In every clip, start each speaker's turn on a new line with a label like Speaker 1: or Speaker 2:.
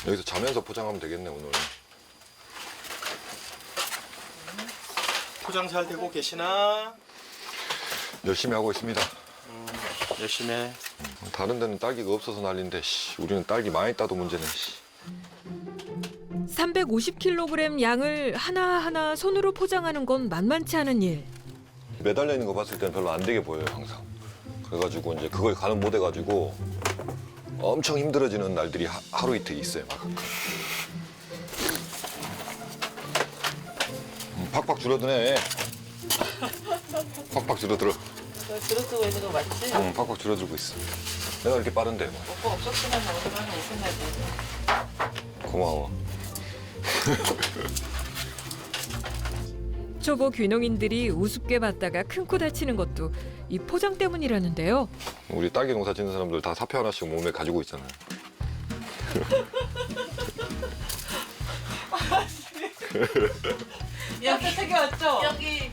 Speaker 1: 여기서 자면서 포장하면 되겠네 오늘.
Speaker 2: 포장 잘 되고 계시나?
Speaker 1: 열심히 하고 있습니다.
Speaker 2: 열심히 해.
Speaker 1: 다른 데는 딸기가 없어서 난리인데 우리는 딸기 많이 따도 문제네.
Speaker 3: 350kg 양을 하나하나 손으로 포장하는 건 만만치 않은 일.
Speaker 1: 매달려 있는 거 봤을 때는 별로 안 되게 보여요 항상. 그래가지고 이제 그걸 가늠 못 해가지고 엄청 힘들어지는 날들이 하루 이틀 있어요 막. 팍팍 줄어드네. 팍팍 줄어들어.
Speaker 4: 들어쓰고 있는 거 맞지?
Speaker 1: 응, 팍팍 줄어들고 있어. 내가 이렇게 빠른데 뭐.
Speaker 4: 오빠 없었으면 오랜만에 오셨나지.
Speaker 1: 고마워.
Speaker 3: 초보 귀농인들이 우습게 봤다가 큰 코 다치는 것도 이 포장 때문이라는데요.
Speaker 1: 우리 딸기 농사 짓는 사람들 다 사표 하나씩 몸에 가지고 있잖아요.
Speaker 4: 여기 책이 왔죠?
Speaker 5: 여기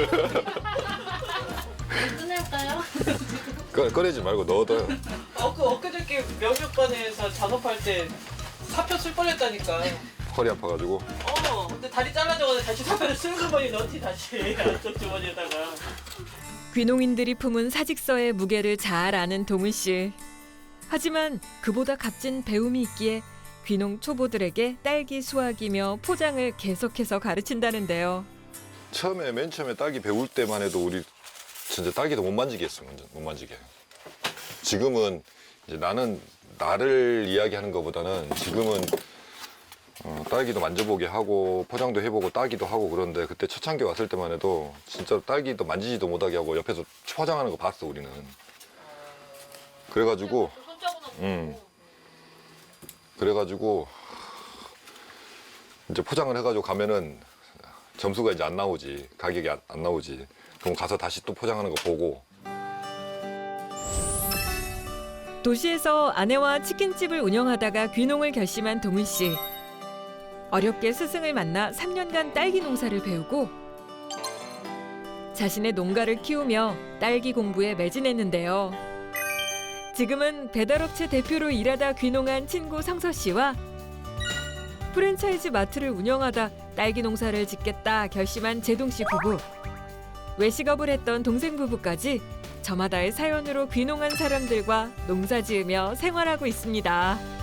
Speaker 5: 끝낼까요?
Speaker 1: 꺼내지 말고 넣어둬요.
Speaker 4: 엊그저께 명육관에서 잔업할 때 사표 쓸 뻔했다니까.
Speaker 1: 허리 아파가지고.
Speaker 4: 근데 다리 잘라져가지고 다시 사표를 쓰는 주머니 넣지 다시 안쪽 주머니에다가.
Speaker 3: 귀농인들이 품은 사직서의 무게를 잘 아는 동은 씨. 하지만 그보다 값진 배움이 있기에 귀농 초보들에게 딸기 수확이며 포장을 계속해서 가르친다는데요.
Speaker 1: 맨 처음에 딸기 배울 때만 해도 우리 진짜 딸기도 못 만지게 했어, 못 만지게. 지금은 이제 나를 이야기하는 것보다는 지금은 딸기도 만져보게 하고 포장도 해보고 따기도 하고 그런데 그때 초창기 왔을 때만 해도 진짜 딸기도 만지지도 못하게 하고 옆에서 포장하는 거 봤어 우리는. 그래가지고 그래가지고 이제 포장을 해가지고 가면은 점수가 이제 안 나오지, 가격이 안 나오지. 그럼 가서 다시 또 포장하는 거 보고.
Speaker 3: 도시에서 아내와 치킨집을 운영하다가 귀농을 결심한 동은 씨. 어렵게 스승을 만나 3년간 딸기 농사를 배우고 자신의 농가를 키우며 딸기 공부에 매진했는데요. 지금은 배달업체 대표로 일하다 귀농한 친구 성서 씨와 프랜차이즈 마트를 운영하다 딸기 농사를 짓겠다 결심한 제동 씨 부부. 외식업을 했던 동생 부부까지 저마다의 사연으로 귀농한 사람들과 농사 지으며 생활하고 있습니다.